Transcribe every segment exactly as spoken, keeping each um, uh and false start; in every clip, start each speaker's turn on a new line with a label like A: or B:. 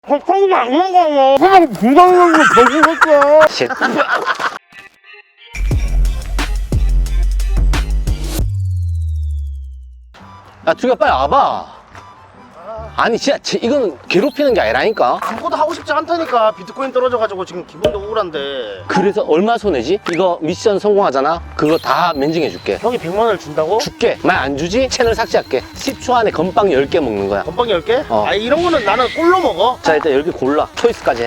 A: 걱정이 안 나가요. 그냥 부담감이 거짓했어.
B: 쉣. 야, 두개 빨리 와봐. 아니, 진짜, 제, 이거는 괴롭히는 게 아니라니까?
A: 아무것도 하고 싶지 않다니까. 비트코인 떨어져가지고 지금 기분도 우울한데.
B: 그래서 얼마 손해지? 이거 미션 성공하잖아? 그거 다 면증해줄게.
A: 형이 백만 원을 준다고?
B: 줄게. 만 안 주지? 채널 삭제할게. 십 초 안에 건빵 열 개 먹는 거야.
A: 건빵 열 개?
B: 어.
A: 아, 이런 거는 나는 꼴로 먹어.
B: 자, 일단 열 개 골라. 초이스까지 해.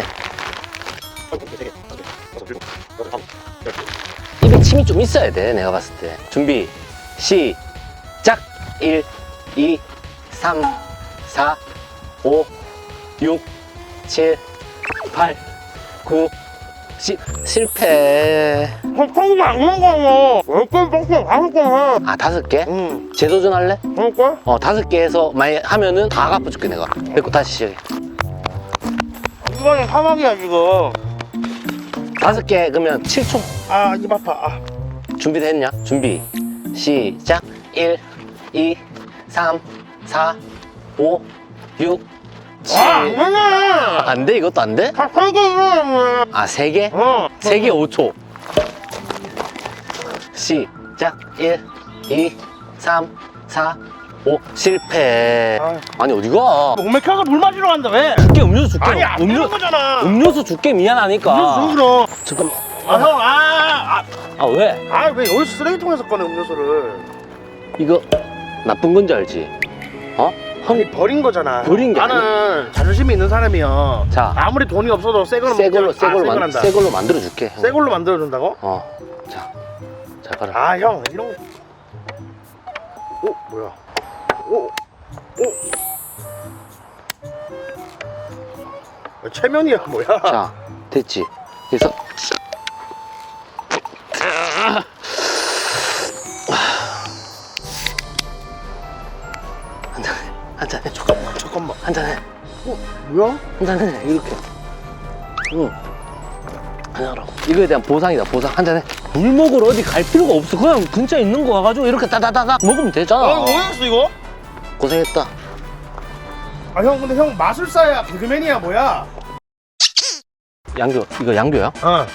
B: 입에 침이 좀 있어야 돼, 내가 봤을 때. 준비, 시작! 일, 이, 삼, 사, 오, 육, 칠, 팔, 구, 십. 실패.
A: 걱정이 안 나가요. 열 개밖에 다섯 개 해.
B: 아, 다섯 개?
A: 응.
B: 재도전 할래?
A: 그럴까?
B: 어, 다섯 개 해서 많이 하면은 다 갚아줄게, 내가. 됐고, 다시 시작해.
A: 이거는 사막이야, 지금.
B: 다섯 개, 그러면 칠 초.
A: 아, 입 아파. 아.
B: 준비됐냐? 준비, 시작. 일, 이, 삼, 사, 오, 육, 칠.
A: 아, 안 되네.
B: 안 돼? 이것도 안 돼?
A: 다 세 개 이거야.
B: 아, 세 개?
A: 어.
B: 세 개 오 초. 시작. 일, 이, 삼, 사, 오. 실패.
A: 아.
B: 아니, 어디가?
A: 오메카가 물 마시러 간다, 왜?
B: 줄게, 음료수 줄게.
A: 아니, 안 되는
B: 음료,
A: 거잖아.
B: 음료수 줄게, 미안하니까.
A: 음료수 그럼.
B: 잠깐만.
A: 아, 형, 아, 아,
B: 아, 왜?
A: 아, 왜 여기서 쓰레기통에서 꺼내, 음료수를.
B: 이거 나쁜 건지 알지? 어?
A: 형이 버린 거잖아.
B: 버린 게
A: 나는 자존심이 있는 사람이야.
B: 자.
A: 아무리 돈이 없어도 새 걸로
B: 새 걸로,
A: 먹자.
B: 새
A: 아,
B: 걸로,
A: 새
B: 만,
A: 걸한다.
B: 새 걸로 만들어줄게.
A: 새 걸로 만들어준다고?
B: 어. 자, 잘 가라.
A: 아, 형, 이런 거. 오, 뭐야? 오, 오. 야, 체면이야, 뭐야?
B: 자, 됐지? 그래서 한잔 해.
A: 잠깐만, 잠깐만.
B: 한잔 해.
A: 어, 뭐야?
B: 한잔 해. 이렇게. 응. 한잔하라고. 이거에 대한 보상이다, 보상. 한잔 해. 물 먹으러 어디 갈 필요가 없어. 그냥 근처에 있는 거 와가지고 이렇게 따다다닥 먹으면 되잖아.
A: 아, 뭐였어, 이거?
B: 고생했다.
A: 아, 형, 근데 형 마술사야, 개그맨이야, 뭐야?
B: 양교, 이거 양교야?
A: 어.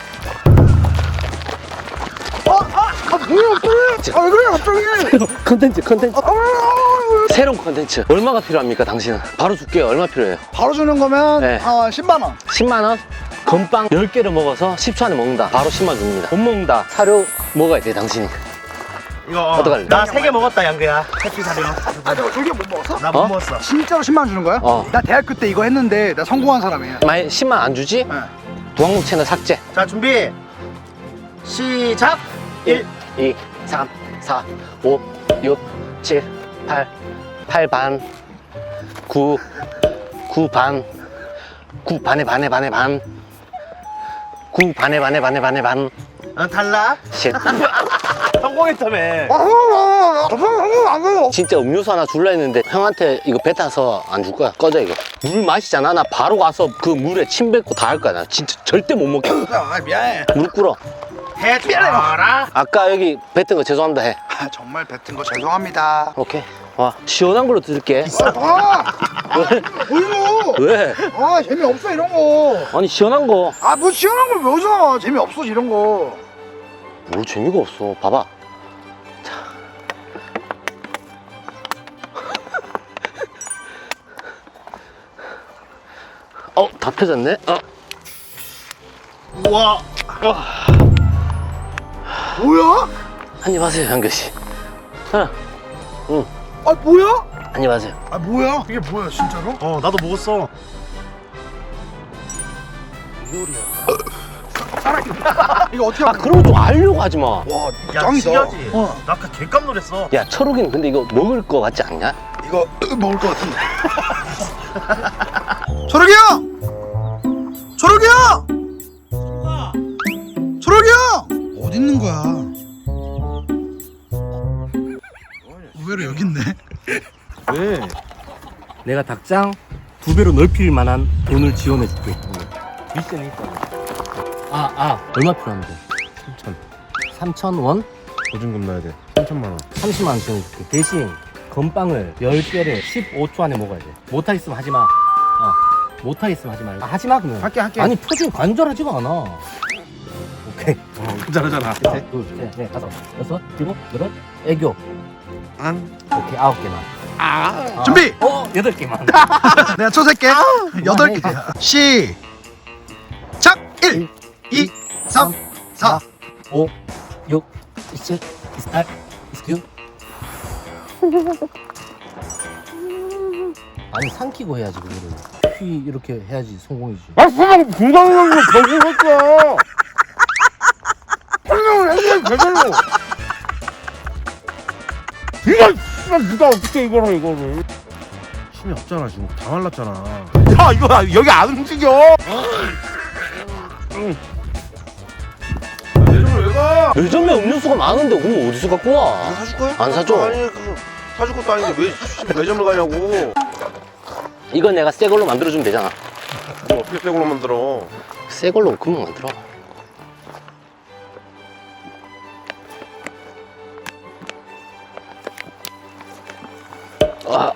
A: 아, 아, 아, 뭐야, 갑자기? 아, 왜 그래, 갑자기?
B: 컨텐츠, 컨텐츠.
A: 아,
B: 새로운 컨텐츠. 얼마가 필요합니까, 당신은? 바로 줄게요. 얼마 필요해요?
C: 바로 주는 거면
B: 네.
C: 어, 십만 원.
B: 십만 원? 건빵 열 개를 먹어서 십 초 안에 먹는다. 바로 십만 원 줍니다. 못 먹는다. 사료 먹어야 돼, 당신이.
A: 이거
B: 어떡할래?
A: 나 세 개 먹었다, 양규야. 해피 사료.
C: 아, 내가 저게 못 먹었어?
A: 나 못
B: 어?
A: 먹었어.
C: 진짜로 십만 원 주는 거야?
B: 어.
C: 나 대학교 때 이거 했는데 나 성공한 사람이야.
B: 만약 십만 원 안 주지?
C: 네.
B: 두항목 채널 삭제.
A: 자, 준비. 시작.
B: 일, 이, 삼, 사, 오, 육, 칠, 팔, 팔 반, 구, 구 반, 구 반에 반에 반에 반, 구 반에 반에 반에 반에 반.
A: 어, 달라.
B: 쉣.
A: 성공했다며.
B: 진짜 음료수 하나 줄라 했는데 형한테 이거 뱉어서 안 줄 거야. 꺼져 이거. 물 마시잖아. 나 바로 가서 그 물에 침 뱉고 다 할 거야. 나 진짜 절대 못 먹게.
C: 아, 미안해.
B: 무릎 꿇어.
A: 해줘라.
B: 아까 여기 뱉은 거 죄송합니다 해.
C: 아, 정말 뱉은 거 죄송합니다.
B: 오케이. 와, 시원한 걸로 드릴게.
C: 아, 뭘로?
B: 왜?
C: 아, 재미없어 이런 거.
B: 아니 시원한 거.
C: 아, 뭐 시원한 걸 왜 오잖아. 재미없어 이런 거.
B: 뭘 재미가 없어. 봐봐. 자. 어, 다 펴졌네. 어.
A: 우와.
C: 뭐야?
B: 한입 하세요, 현교 씨. 하나. 응.
C: 아, 뭐야?
B: 한입 하세요.
C: 아, 뭐야? 이게 뭐야, 진짜로?
A: 어, 나도 먹었어.
C: 이거 어떻게
B: 아,
C: 하는 거야?
B: 그런 거 좀 알려고 하지 마.
C: 와,
A: 야,
C: 짱이다.
A: 신기하지?
C: 어.
A: 나 아까 개깜 놀랐어.
B: 야, 철욱이는 근데 이거 먹을 거 같지 않냐?
C: 이거 먹을 것 같은데. 초록이 형! 초록이 형! 초록이 형! 어디 있는 거야? 의외로 여기 있네.
B: 왜? 내가 닭장 두 배로 넓힐 만한 돈을 지원해 줄게. 미션이 있다. 아, 아, 얼마 필요한데? 삼천. 삼천 원?
D: 보증금 넣어야 돼. 삼천만 원.
B: 삼십만 원 지원해 줄게. 대신 건빵을 열 개를 십오 초 안에 먹어야 돼. 못하겠으면 하지 마. 어. 못하겠으면 하지 말고. 아, 하지 마, 그러면.
A: 할게 할게.
B: 아니, 표정이 간절하지가 않아. 오케이.
A: 잘하잖아.
B: 셋, 둘, 셋, 넷, 다섯, 여섯, 일곱, 여덟, 애교.
A: 안.
B: 오케이, 아홉 개만.
A: 아.
C: 준비!
B: 어, 여덟 개만.
C: 내가 초셀게. 여덟 개. 시작! 일, 이, 삼, 사.
B: 오, 육, 이칠, 이십팔, 이십구. 아니, 삼키고 해야지, 그거를. 휘, 이렇게 해야지 성공이지.
A: 아, 수박 공장으로 거짓했어. 설명을 했어, 제대로. 이거, 씨발, 누가 어떻게 이거를, 이거를.
D: 힘이 없잖아 지금 다 말랐잖아.
A: 야, 이거 여기 안 움직여. 매점을 왜 가?
B: 요즘에 음료수가 많은데 그거 어디서 갖고 와?
A: 안 사줄 거야?
B: 안 사줘.
A: 아니, 그 사줄 것도 아닌데 왜 씨, 매점을 가냐고.
B: 이건 내가 새 걸로 만들어주면 되잖아.
A: 뭐 어떻게 새 걸로 만들어?
B: 새 걸로 금방 만들어. 아.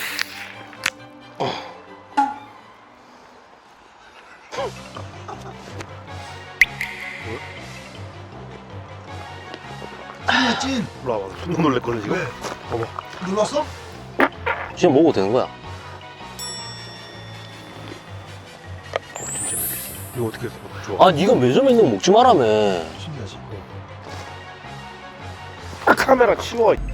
C: 찐.
A: 일로 와봐. 손도 놀랬거든 지금.
C: 왜?
A: 봐봐.
C: 눌렀어?
B: 지금 먹어도 되는 거야.
A: 진짜 맛있어. 이거 어떻게 했어? 좋아.
B: 아, 네가 매점에 있는 거 먹지 말라며.
C: 신기하지.
A: 카메라 치워.